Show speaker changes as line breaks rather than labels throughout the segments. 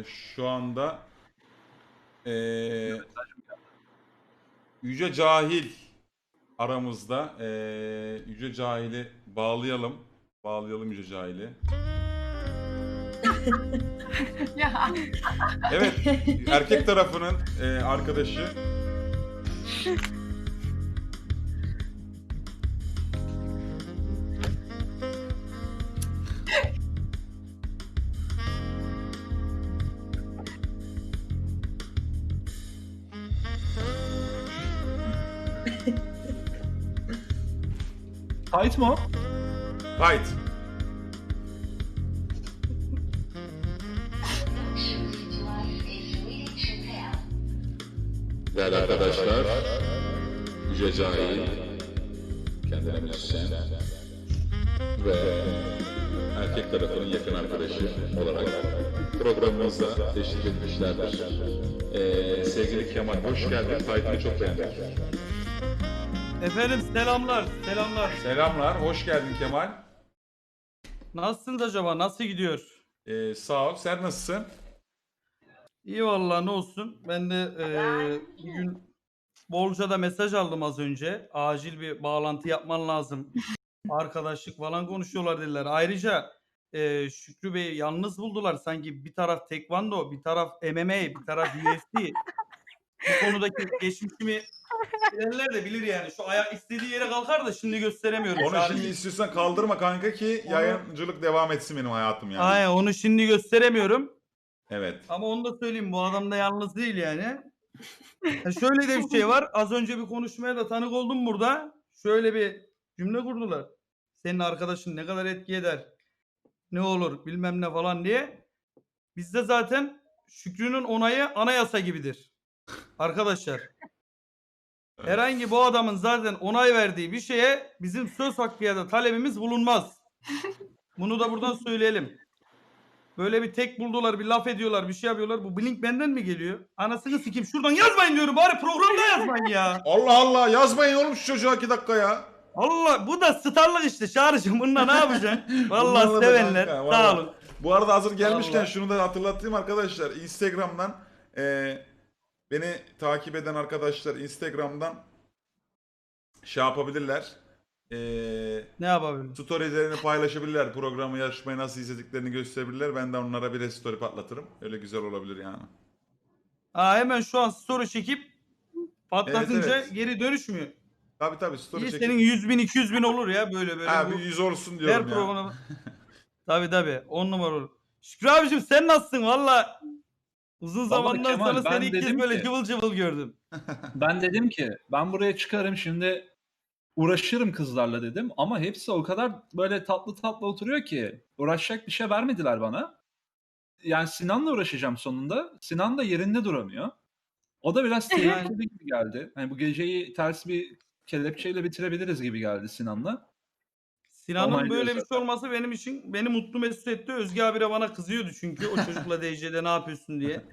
Şu anda Yüce Cahil aramızda. Yüce Cahil'i bağlayalım. Bağlayalım Yüce Cahil'i.
Ya.
Evet, erkek tarafının arkadaşı.
Kayıt mı o?
Kayıt. Değerli arkadaşlar, Yüce Cahil, kendine müzisyen ve erkek tarafının yakın arkadaşı olarak programımıza teşrif etmişlerdir. Sevgili Kemal, hoş geldin. Kayıtını çok beğendik.
Efendim selamlar.
Selamlar, hoş geldin Kemal.
Nasılsınız acaba? Nasıl gidiyor?
Sağ ol, sen nasılsın?
İyi vallahi ne olsun. Ben de bir gün bolca da mesaj aldım az önce. Acil bir bağlantı yapman lazım. Arkadaşlık falan konuşuyorlar dediler. Ayrıca Şükrü Bey yalnız buldular. Sanki bir taraf tekvando, bir taraf MMA, bir taraf UFC. Bu konudaki geçmişimi bilenler de bilir yani. Şu ayak istediği yere kalkar da şimdi gösteremiyorum.
Onu
Çağrı-
şimdi istiyorsan kaldırma kanka ki yayıncılık devam etsin benim hayatım yani.
Aynen onu şimdi gösteremiyorum.
Evet.
Ama onu da söyleyeyim, bu adam da yalnız değil yani. Şöyle de bir şey var. Az önce bir konuşmaya da tanık oldum burada. Şöyle bir cümle kurdular. Senin arkadaşın ne kadar etki eder, ne olur bilmem ne falan diye. Bizde zaten Şükrü'nün onayı anayasa gibidir. Arkadaşlar. Herhangi bu adamın zaten onay verdiği bir şeye bizim söz hakkı ya da talebimiz bulunmaz. Bunu da buradan söyleyelim. Böyle bir tek buldular, bir laf ediyorlar, bir şey yapıyorlar. Bu blink benden mi geliyor? Anasını sikeyim. Şuradan yazmayın diyorum. Bari programda yazmayın ya.
Allah Allah, yazmayın oğlum şu çocuğa 2 dakika ya.
Allah, bu da starlık işte Çağrı'cığım. Bununla ne yapacaksın? Vallahi
Bunlarla da
sevenler.
kanka,
Sağ
vallahi.
olun.
Bu arada hazır gelmişken
Vallahi.
şunu da hatırlatayım arkadaşlar. Instagram'dan beni takip eden arkadaşlar Instagram'dan şey yapabilirler.
Ne yapabilirim?
Storylerini paylaşabilirler. Programı, yarışmayı nasıl izlediklerini gösterebilirler. Ben de onlara bir story patlatırım. Öyle güzel olabilir yani.
Hemen şu an story çekip patlatınca
Evet.
geri dönüşmüyor.
Tabii story
İyi,
çekip.
senin 100 bin 200 bin olur ya böyle
Ha
bu.
bir 100 olsun
Her
diyorum ya.
programı. Tabii 10 numara olur. Şükrü abicim sen nasılsın? Valla uzun zamandan
Kemal,
sonra
ben
seni ilk kez
dedim
böyle
ki-
cıvıl cıvıl gördüm.
Ben dedim ki ben buraya çıkarım şimdi uğraşırım kızlarla dedim ama hepsi o kadar böyle tatlı tatlı oturuyor ki uğraşacak bir şey vermediler bana. Yani Sinan'la uğraşacağım sonunda. Sinan da yerinde duramıyor. O da biraz tehlikeli gibi geldi. Hani bu geceyi ters bir kelepçeyle bitirebiliriz gibi geldi Sinan'la.
Sinan'ın
Onaylıyor
böyle bir
zaten.
şey olması benim için beni mutlu mesut etti. Özge abi de bana kızıyordu çünkü o çocukla DC'de ne yapıyorsun diye.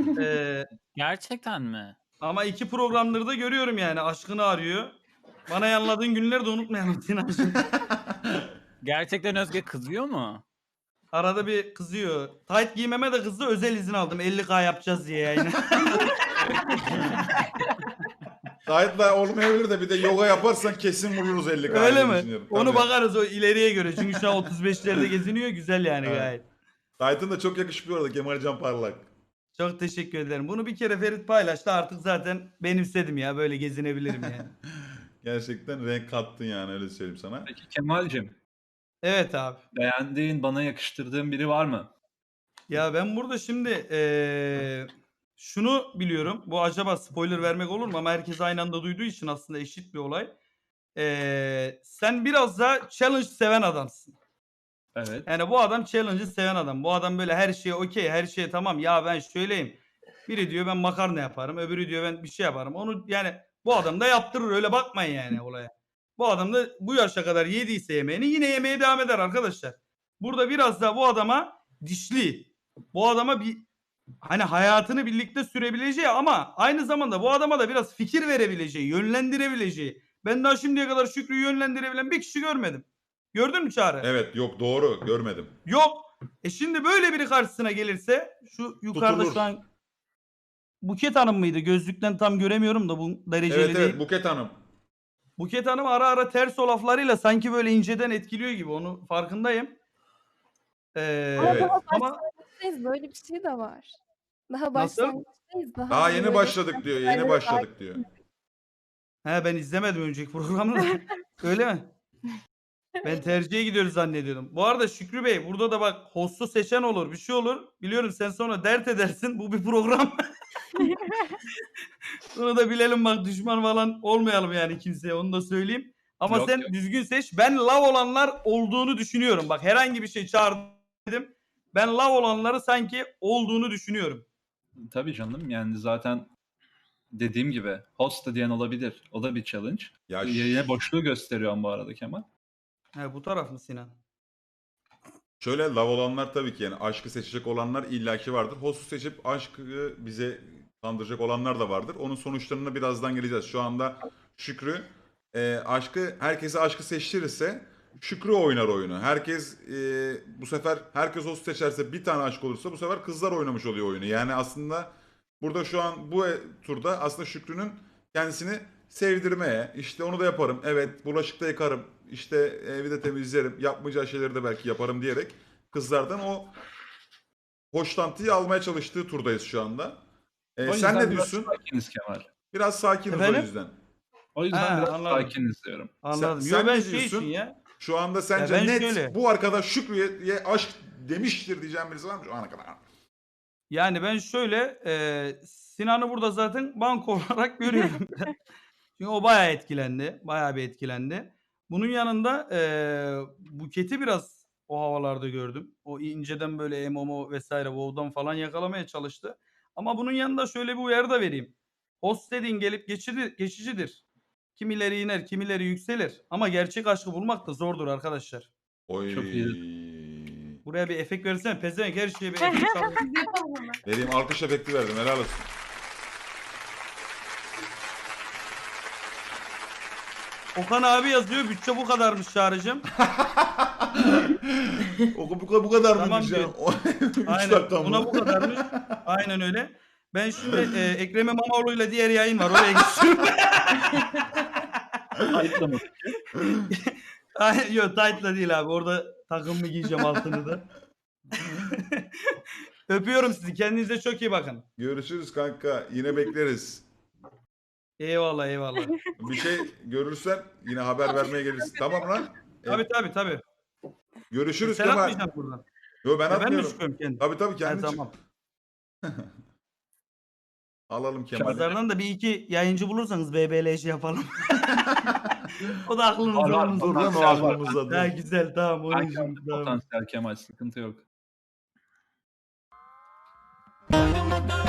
Gerçekten mi?
Ama 2 programları da görüyorum yani. Aşkını arıyor. Bana yanladığın günleri de unutmayalım Sinancığım.
Gerçekten Özge kızıyor mu?
Arada bir kızıyor. Tight giymeme de kızdı. Özel izin aldım. 50K yapacağız diye yayını.
Kayıtla olmayabilir de bir de yoga yaparsan kesin vururuz 50
Öyle
diye
mi?
düşünüyorum.
Onu
Tabii.
bakarız o ileriye göre. Çünkü şu an 35'lerde geziniyor. Güzel yani
Evet.
gayet.
Titan da çok yakışmıyor orada Kemal Can Parlak.
Çok teşekkür ederim. Bunu bir kere Ferit paylaştı. Artık zaten benimsedim ya. Böyle gezinebilirim yani.
Gerçekten renk kattın yani öyle söyleyeyim sana.
Peki Kemal'cim
Evet abi.
beğendiğin, bana yakıştırdığın biri var mı?
Ya ben burada şimdi şunu biliyorum. Bu acaba spoiler vermek olur mu? Ama herkes aynı anda duyduğu için aslında eşit bir olay. Sen biraz da challenge seven adamsın.
Evet.
Yani bu adam challenge'ı seven adam. Bu adam böyle her şeye okey, her şeye tamam. Ya ben şöyleyim. Biri diyor ben makarna yaparım. Öbürü diyor ben bir şey yaparım. Onu yani bu adam da yaptırır. Öyle bakmayın yani olaya. Bu adam da bu yaşa kadar yediyse yemeğini yine yemeye devam eder arkadaşlar. Burada biraz da bu adama dişli. Bu adama bir hani hayatını birlikte sürebileceği ama aynı zamanda bu adama da biraz fikir verebileceği, yönlendirebileceği. Ben daha şimdiye kadar Şükrü'yü yönlendirebilen bir kişi görmedim. Gördün mü Çağrı?
Evet yok doğru görmedim.
Yok. Şimdi böyle biri karşısına gelirse şu yukarıda
Tutulur.
şu an Buket Hanım mıydı? Gözlükten tam göremiyorum da bu dereceli
Evet
değil.
evet Buket Hanım.
Buket Hanım ara ara ters o laflarıyla sanki böyle inceden etkiliyor gibi. Onu farkındayım.
Evet.
Ama
başlangıçtayız. Böyle bir şey de var. Daha
Nasıl?
başlangıçtayız.
Daha yeni
böyle
başladık diyor. Yeni
şeylere
başladık diyor.
ben izlemedim önceki programı da. Öyle mi? Ben tercihe gidiyoruz zannediyordum. Bu arada Şükrü Bey burada da bak host'u seçen olur bir şey olur. Biliyorum sen sonra dert edersin. Bu bir program. Bunu da bilelim bak düşman falan olmayalım yani kimseye onu da söyleyeyim. Ama
Yok,
sen
yok.
düzgün seç. Ben lav olanlar olduğunu düşünüyorum. Bak herhangi bir şey çağırdım dedim. Ben lav olanları sanki olduğunu düşünüyorum.
Tabii canım yani zaten dediğim gibi host da diyen olabilir. O da bir challenge.
Ya
Yine boşluğu gösteriyorum bu arada Kemal.
He bu taraf mı Sinan?
Şöyle lav olanlar tabii ki yani aşkı seçecek olanlar illaki vardır. Host'u seçip aşkı bize kandıracak olanlar da vardır. Onun sonuçlarına birazdan geleceğiz. Şu anda Şükrü herkese aşkı seçtirirse Şükrü oynar oyunu. Bu sefer herkes host seçerse bir tane aşk olursa bu sefer kızlar oynamış oluyor oyunu. Yani aslında burada şu an bu turda aslında Şükrü'nün kendisini sevdirmeye, işte onu da yaparım, evet bulaşık da yıkarım, işte evi de temizlerim, yapmayacağı şeyleri de belki yaparım diyerek kızlardan o hoşlantıyı almaya çalıştığı turdayız şu anda.
O
Sen
yüzden
ne
biraz
diyorsun?
sakiniz Kemal.
Biraz sakiniz o
Efendim?
yüzden.
O yüzden
Ha,
biraz
anladım.
sakiniz diyorum.
Anladım.
Sen
Yo ben
ne
şey
diyorsun?
için ya.
Şu anda sence
ben
net
şöyle-
bu arkadaş Şükrü'ye aşk demiştir diyeceğim birisi var mı şu ana kadar?
Yani ben şöyle Sinan'ı burada zaten banko olarak görüyorum. Çünkü o bayağı etkilendi. Bayağı bir etkilendi. Bunun yanında Buket'i biraz o havalarda gördüm. O inceden böyle MMO vesaire WoW'dan falan yakalamaya çalıştı. Ama bunun yanında şöyle bir uyarı da vereyim. Host dediğin gelip geçicidir. Kimileri iner, kimileri yükselir. Ama gerçek aşkı bulmak da zordur arkadaşlar.
Oy.
Çok iyi.
Buraya bir efekt versene. Pezevenk her şeye bir efekt al.
Biz yapalım hemen.
Vereyim alkış efekti verdim helal olsun.
Okan abi yazıyor. Bütçe bu kadarmış Çağrı'cığım.
Bu kadar
Tamam
mıymış ya?
diyor.
3
Aynen.
dakika
Buna
mı?
bu kadarmış. Aynen öyle. Ben şimdi Ekrem İmamoğlu'yla diğer yayın var. Oraya geçiyorum.
Ayıplama.
Yok tight'la değil abi. Orada takım mı giyeceğim altını da. Öpüyorum sizi. Kendinize çok iyi bakın.
Görüşürüz kanka. Yine bekleriz.
Eyvallah eyvallah.
Bir şey görürsen yine haber vermeye gelirsin. Tamam lan?
Tabii.
Görüşürüz
Sen
Kemal.
atmayacaksın buradan.
Yo ben
Ya ben mi
atmıyorum.
çıkıyorum kendim?
Tabii
Ha,
kendin çık.
tamam.
Alalım Kemal'i.
Pazardan da bir iki yayıncı bulursanız BBL'ş yapalım. O da aklınızda
Var,
olmasın.
Dur lan o aklımızda.
Ha, güzel tamam. Onun
Belki
için, tamam.
potansiyel Kemal sıkıntı yok.